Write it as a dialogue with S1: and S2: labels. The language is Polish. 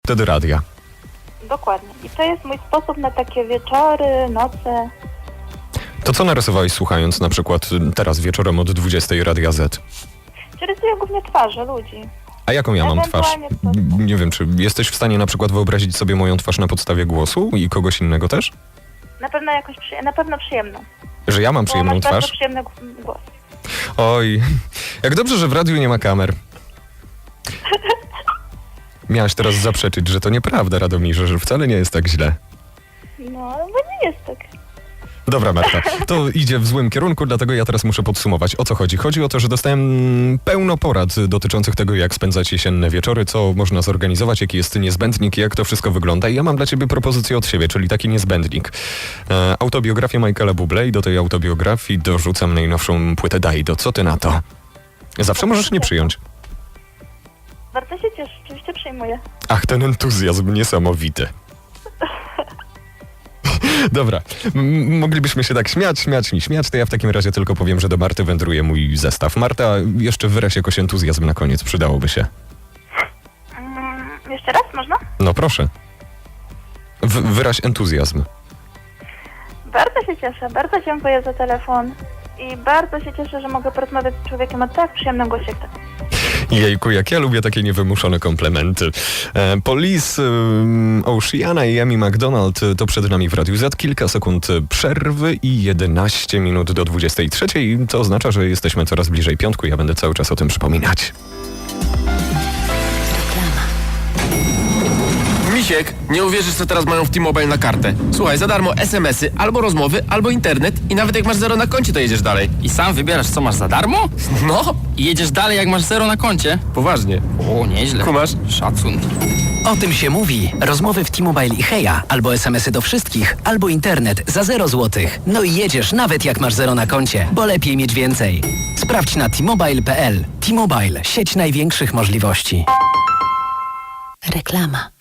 S1: wtedy radia.
S2: Dokładnie. I to jest mój sposób na takie wieczory, noce.
S1: To co narysowałeś słuchając na przykład teraz wieczorem od 20 Radia Z?
S2: Czy rysuję głównie twarze ludzi.
S1: A jaką ja mam twarz?
S2: Ewentualnie
S1: Nie wiem, czy jesteś w stanie na przykład wyobrazić sobie moją twarz na podstawie głosu i kogoś innego też?
S2: Na pewno na pewno przyjemną.
S1: Że ja mam
S2: Bo
S1: przyjemną
S2: masz bardzo
S1: twarz?
S2: przyjemny głos.
S1: Oj, jak dobrze, że w radiu nie ma kamer. Miałaś teraz zaprzeczyć, że to nieprawda, Radomirze, że wcale nie jest tak źle.
S2: No, bo nie jest tak.
S1: Dobra, Marta, to idzie w złym kierunku, dlatego ja teraz muszę podsumować. O co chodzi? Chodzi o to, że dostałem pełno porad dotyczących tego, jak spędzać jesienne wieczory, co można zorganizować, jaki jest niezbędnik, jak to wszystko wygląda. I ja mam dla ciebie propozycję od siebie, czyli taki niezbędnik. Autobiografię Michaela Bublé i do tej autobiografii dorzucam najnowszą płytę Daido. Co ty na to? Zawsze możesz nie przyjąć.
S2: Bardzo się cieszę, oczywiście przyjmuję.
S1: Ach, ten entuzjazm niesamowity. Dobra, moglibyśmy się tak śmiać, to ja w takim razie tylko powiem, że do Marty wędruje mój zestaw. Marta, jeszcze wyraź jakoś entuzjazm na koniec, przydałoby się.
S2: Jeszcze raz, można?
S1: No proszę. Wyraź entuzjazm.
S2: Bardzo się cieszę, bardzo dziękuję za telefon i bardzo się cieszę, że mogę porozmawiać z człowiekiem o tak przyjemnym głosie jak ten.
S1: Jejku, jak ja lubię takie niewymuszone komplementy. Police, Oceana i Amy McDonald to przed nami w Radiu Z. Kilka sekund przerwy i 11 minut do 23. To oznacza, że jesteśmy coraz bliżej piątku. Ja będę cały czas o tym przypominać.
S3: Misiek, nie uwierzysz, co teraz mają w T-Mobile na kartę. Słuchaj, za darmo SMS-y, albo rozmowy, albo internet i nawet jak masz 0 na koncie, to jedziesz dalej.
S4: I sam wybierasz, co masz za darmo?
S3: No,
S4: I jedziesz dalej, jak masz 0 na koncie?
S3: poważnie.
S4: O, nieźle.
S3: Kumasz?
S4: Szacun.
S5: O tym się mówi. Rozmowy w T-Mobile i Heja, albo SMS-y do wszystkich, albo internet za 0 złotych. No i jedziesz nawet jak masz 0 na koncie, bo lepiej mieć więcej. Sprawdź na T-Mobile.pl. T-Mobile, sieć największych możliwości.
S6: Reklama.